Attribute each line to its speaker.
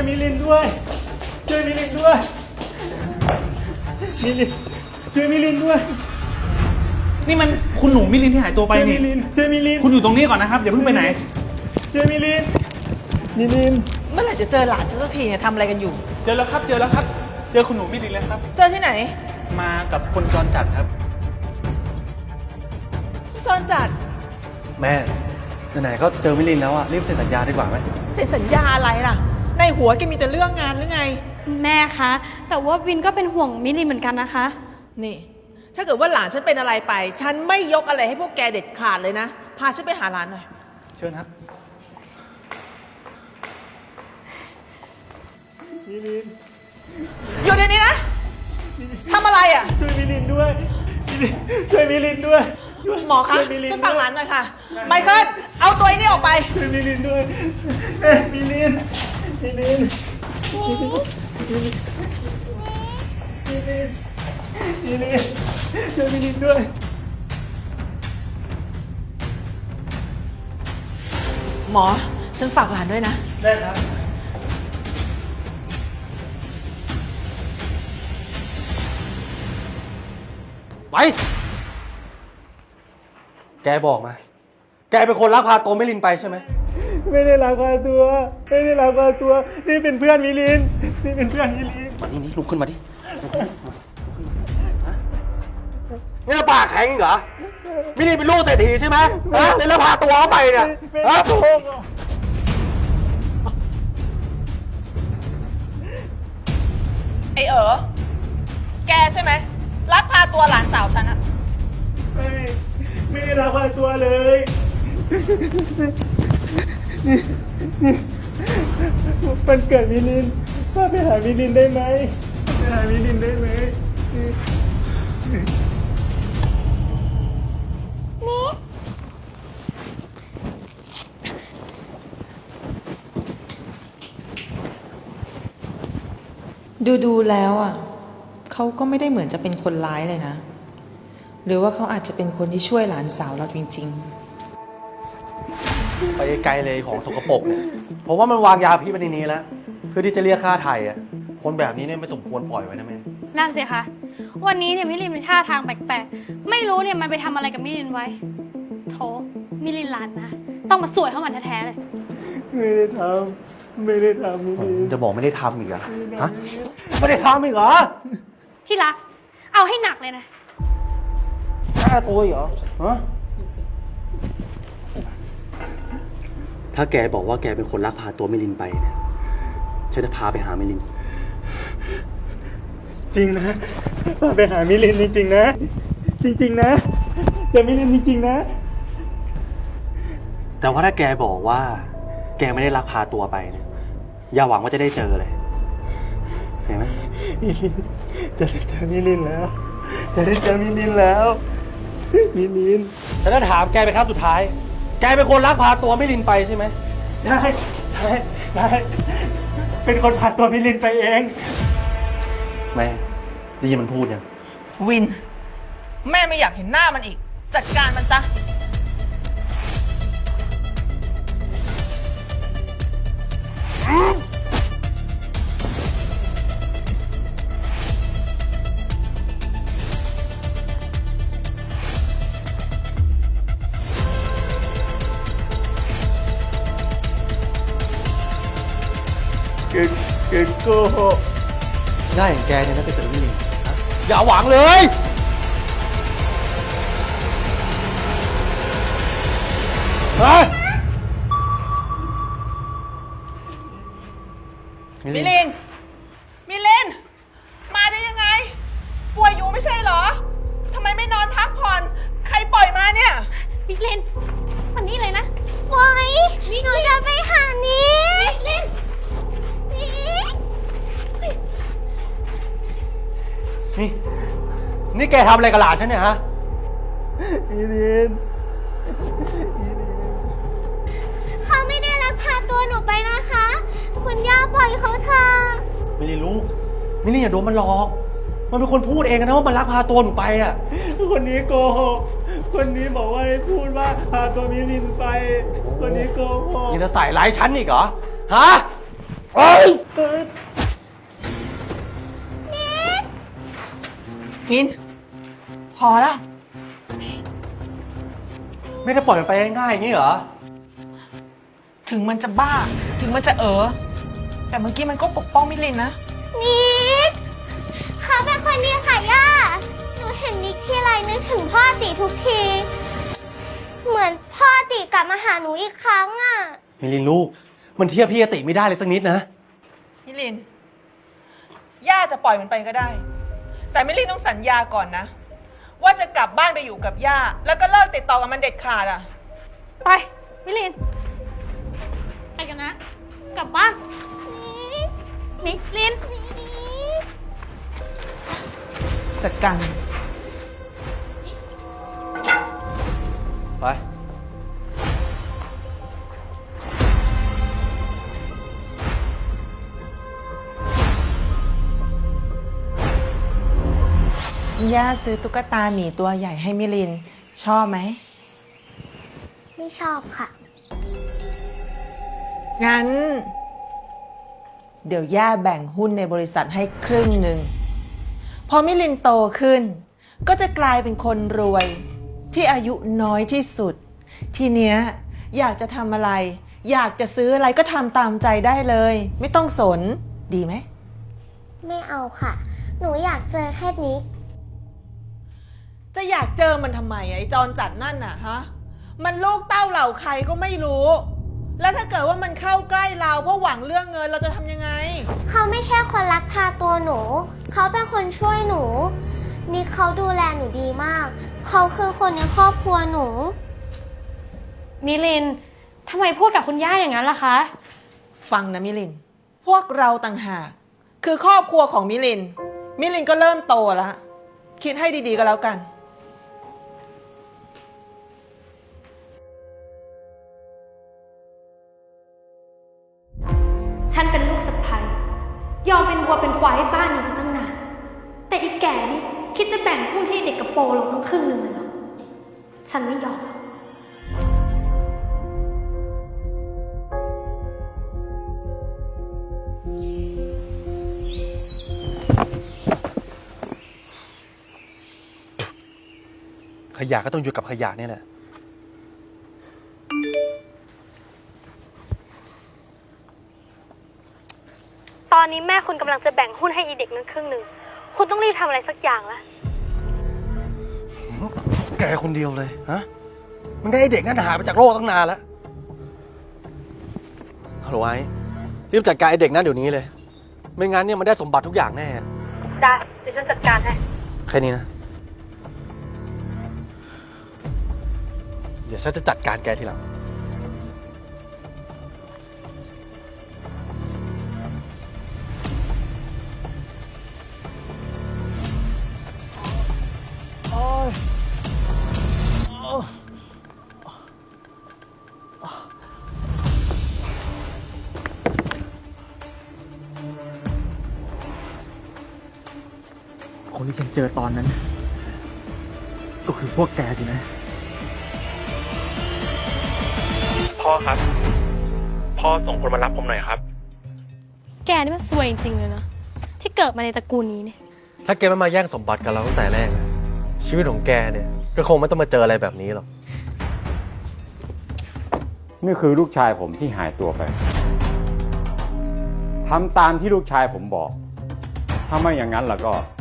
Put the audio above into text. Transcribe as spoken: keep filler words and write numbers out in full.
Speaker 1: มิลินด้วยช่วยมิลินด้วยมิลินช่วยมิลินด้วย
Speaker 2: นี่มันคุณหนูมิลินที่หายตัวไป
Speaker 1: ช่วยมิ
Speaker 2: นี่
Speaker 1: ลินช่วยมิลิน
Speaker 2: คุณอยู่ตรงนี้ก่อนนะครับอย่าเพิ่งไปไหน
Speaker 1: ช่วยมิลินมิลิน
Speaker 3: เมื่อไหร่จะเจอหลานฉันสักทีเนี่ยทำอะไรกันอยู่
Speaker 2: เจอแล้วครับเจอแล้วครับ เจอคุณหนูมิลินแล้วครับ
Speaker 3: เจอที่ไหน
Speaker 2: มากับคนจรจัดครับ
Speaker 3: จอนจัด
Speaker 4: แม่ไหนๆก็เจอมิลินแล้วอะรีบเซ็นสัญญาดีกว่าไหม
Speaker 3: เซ็นสัญญาอะไรล่ะ ในหัวแกมีแต่เรื่องงานหรือไง
Speaker 5: แม่คะ แต่ว่าวินก็เป็นห่วงมิลินเหมือนกันนะคะ
Speaker 3: นี่ ถ้าเกิดว่าหลานฉันเป็นอะไรไป ฉันไม่ยกอะไรให้พวกแกเด็ดขาดเลยนะ พาฉันไปหาหลานหน่อย
Speaker 2: เชิญครับ
Speaker 1: มิลิน
Speaker 3: อยู่ในนี้นะทำอะไรอ่ะ
Speaker 1: ช่วยมิลินด้วยมิลินช่วยมิลินด้วยช่วย
Speaker 3: หมอคะ
Speaker 1: ช่วยมิลิน
Speaker 3: ฉันฟังหลานหน่อยค่ะ ไมเคิล เอาตัวไอ้นี่ออกไป
Speaker 1: ช่วยมิลินด้วยเอ้ยมิลินมิลินมิลินมิลินมิลินช่วยมิลินด้วย
Speaker 3: หมอ ฉันฝากหลานด้วยนะ
Speaker 2: ได้ครับ
Speaker 4: ไป แกบอกมา แกเป็นคนลักพาตัวมิลินไปใช่ไหม
Speaker 1: ไม่ได้ลักพาตัว ไม่ได้ลักพาตัว นี่เป็นเพื่อนมิลิน นี่เป็นเพื่อนมิลิน
Speaker 4: มานี่นี่ลุกขึ้นมาดิลุกขึ้นมาฮะนี่เราปากแข็งอีกเหรอ มิลินเป็นลูกเศรษฐีใช่ไหมฮะแล้วเราพาตัวเขาไปเนี่ย
Speaker 1: ไม่
Speaker 4: ฮะ
Speaker 1: ได้โกงหรอก
Speaker 3: ไอเอ๋อ แกใช่ไหมลักพาตัวหลานสาวฉันอะ
Speaker 1: ไม่ไม่ได้ลักพาตัวเลย มันเกิดมิลินว่าไปหามิลินได้ไหมไปหามิลินได้ไหม
Speaker 3: ดูดูแล้วอ่ะเขาก็ไม่ได้เหมือนจะเป็นคนร้ายเลยนะ หรือว่าเขาอาจจะเป็นคนที่ช่วยหลานสาวเราจริง
Speaker 4: ไปไกลเลยของสกปรกเนี่ยผมว่ามันวางยาพิษไว้ในนี้แล้ว เพื่อที่จะเรียกค่าไถ่อะคนแบบนี้เนี่ยไม่สมควรปล่อยไว้นะแม่
Speaker 5: นั่นสิคะ วันนี้เนี่ยมิลินมีท่าทางแปลกๆ ไม่รู้เนี่ยมันไปทำอะไรกับมิลินไว้ โถมิลินหลานนะ ต้องมาสวยเข้ามันแท้ๆเลย
Speaker 1: ไม่ได้ทำไม่ได้ทำมิลิน
Speaker 4: จะบอกไม่ได้ทำอีกเหรอฮะ ไม่ได้ทำอีกเหรอ
Speaker 5: ที่รัก เอาให้หนักเลยนะ
Speaker 4: แค่ตัวอีกเหรอฮะถ้าแกบอกว่าแกเป็นคนลักพาตัวมิลินไปเนี่ยฉันจะพาไปหามิลิน
Speaker 1: จริงนะพาไปหามิลินจริงๆนะ จริงๆนะจะมิลินจริงๆนะ
Speaker 4: แต่ว่าถ้าแกบอกว่า แกไม่ได้ลักพาตัวไปเนี่ยอย่าหวังว่าจะได้เจอเลยเห็นไหม
Speaker 1: มิลินจะได้เจอมิลินแล้ว จะได้เจอมิลินแล้วมิลิน
Speaker 4: ฉันจะถามแกเป็นครั้งสุดท้าย แกเป็นคนลักพาตัวมิลินไปใช่ไหม
Speaker 1: ได้ได้ได้เป็นคนพาตัวมิลินไปเอง
Speaker 4: แม่ได้ยินมันพูดยัง
Speaker 3: ๆ วิน แม่ไม่อยากเห็นหน้ามันอีก จัดการมันซะ
Speaker 1: เกเกโก้
Speaker 4: หน้าอย่างแกเนี่ยน่าจะเจอมิลินฮะอย่าหวังเลย เฮ้ย
Speaker 3: มิลิน มิลิน มาได้ยังไง ป่วยอยู่ไม่ใช่เหรอ ทำไมไม่นอนพักผ่อน ใครปล่อยมาเนี่ย
Speaker 5: มิลินวันนี้เลยนะโอ้ยหนูจะไปหานี้มิลินนี่
Speaker 4: นี่ นี่แกทำอะไรกับหลานฉันเนี่ยฮะ
Speaker 1: มิลิน
Speaker 5: เขาไม่ได้ลักพาตัวหนูไปนะคะ คุณย่าปล่อยเขาเถอะ
Speaker 4: มิลินลูก มิลินอย่าโดนมันหลอก มันเป็นคนพูดเองนะว่ามันลักพาตัวหนูไปอ่ะ
Speaker 1: คนนี้โกหก คนนี้บอกว่าให้พูดว่าพาตัวมิลินไป คนนี้โกหก
Speaker 4: ยังจะใส่ร้ายฉันอีกเหรอ ฮะเฮ้ย
Speaker 3: มิน พอแล้ว
Speaker 4: ไม่ได้ปล่อยมันไปง่ายๆอย่างนี้เหรอ
Speaker 3: ถึงมันจะบ้า ถึงมันจะเออ แต่เมื่อกี้มันก็ปกป้องมิลินนะ
Speaker 6: นิกเขาเป็นคนดีค่ะย่า หนูเห็นนิกทีไรนึกถึงพ่อติทุกที เหมือนพ่อติกลับมาหาหนูอีกครั้งอ่ะ
Speaker 4: มิลินลูก มันเทียบพี่อติไม่ได้เลยสักนิดนะ
Speaker 3: มิลิน ย่าจะปล่อยมันไปก็ได้ แต่มิลินต้องสัญญาก่อนนะ ว่าจะกลับบ้านไปอยู่กับย่า แล้วก็เลิกติดต่อกับมันเด็ดขาดอ่ะ
Speaker 5: ไป มิลิน ไปกันนะ กลับบ้านนิกลิน
Speaker 3: จัดการ
Speaker 4: ไป
Speaker 3: ย่าซื้อตุ๊กตาหมีตัวใหญ่ให้มิลิน ชอบไหม
Speaker 6: ไม่ชอบค่ะ
Speaker 3: งั้น เดี๋ยวย่าแบ่งหุ้นในบริษัทให้ครึ่งหนึ่ง พอมิลินโตขึ้น ก็จะกลายเป็นคนรวย ที่อายุน้อยที่สุด ทีเนี้ยอยากจะทำอะไร อยากจะซื้ออะไรก็ทำตามใจได้เลย ไม่ต้องสน ดีไหม
Speaker 6: ไม่เอาค่ะ หนูอยากเจอแค่นิก
Speaker 3: จะอยากเจอมันทำไมไอ้จรจัดนั่นน่ะฮะ มันลูกเต้าเหล่าใครก็ไม่รู้ แล้วถ้าเกิดว่ามันเข้าใกล้เราเพราะหวังเรื่องเงินเราจะทำยังไง
Speaker 6: เขาไม่ใช่คนลักพาตัวหนู เขาเป็นคนช่วยหนู นิกเขาดูแลหนูดีมาก เขาคือคนในครอบครัวหนู
Speaker 5: มิลิน ทำไมพูดกับคุณย่าอย่างนั้นล่ะคะ
Speaker 3: ฟังนะมิลิน พวกเราต่างหาก คือครอบครัวของมิลิน มิลินก็เริ่มโตแล้ว คิดให้ดีๆก็แล้วกัน
Speaker 5: ฉันเป็นลูกสะใภ้ยอมเป็นวัวเป็นควายให้บ้านนี้มาตั้งนาน แต่อีแก่นี่คิดจะแบ่งหุ้นให้เด็กกระโปรงเราตั้งครึ่งหนึ่งเลยเหรอ ฉันไม่ยอม
Speaker 1: ขยะก็ต้องอยู่กับขยะนี่แหละ
Speaker 5: ตอนนี้แม่คุณกำลังจะแบ่งหุ้นให้อีเด็กนั้นครึ่งหนึ่ง คุณต้องรีบทำอะไรสักอย่างแล้ว
Speaker 1: แกคนเดียวเลยฮะ มันได้ไอ้เด็กนั่นหายไปจากโลกตั้งนานแล้วฮัลโหลไอ้รีบจัดการไอ้เด็กนั่นเดี๋ยวนี้เลย ไม่งั้นเนี่ยมันได้สมบัติทุกอย่างแน่
Speaker 5: ได้ เดี๋ยวฉันจัดการให้
Speaker 1: แค่นี้นะ เดี๋ยวฉันจะจัดการแกทีหลัง
Speaker 2: คนที่ฉันเจอตอนนั้น ก็คือพวกแกสินะ
Speaker 7: พ่อครับ พ่อส่งคนมารับผมหน่อยครับ
Speaker 5: แกนี่มันซวยจริงๆเลยนะ ที่เกิดมาในตระกูลนี้เนี่ย
Speaker 1: ถ้าแกไม่มาแย่งสมบัติกับเราตั้งแต่แรกนะชีวิตของแกเนี่ยก็คงไม่ต้องมาเจออะไรแบบนี้หรอก
Speaker 8: นี่คือลูกชายผมที่หายตัวไป ทำตามที่ลูกชายผมบอก ถ้าไม่อย่างนั้นแล้วก็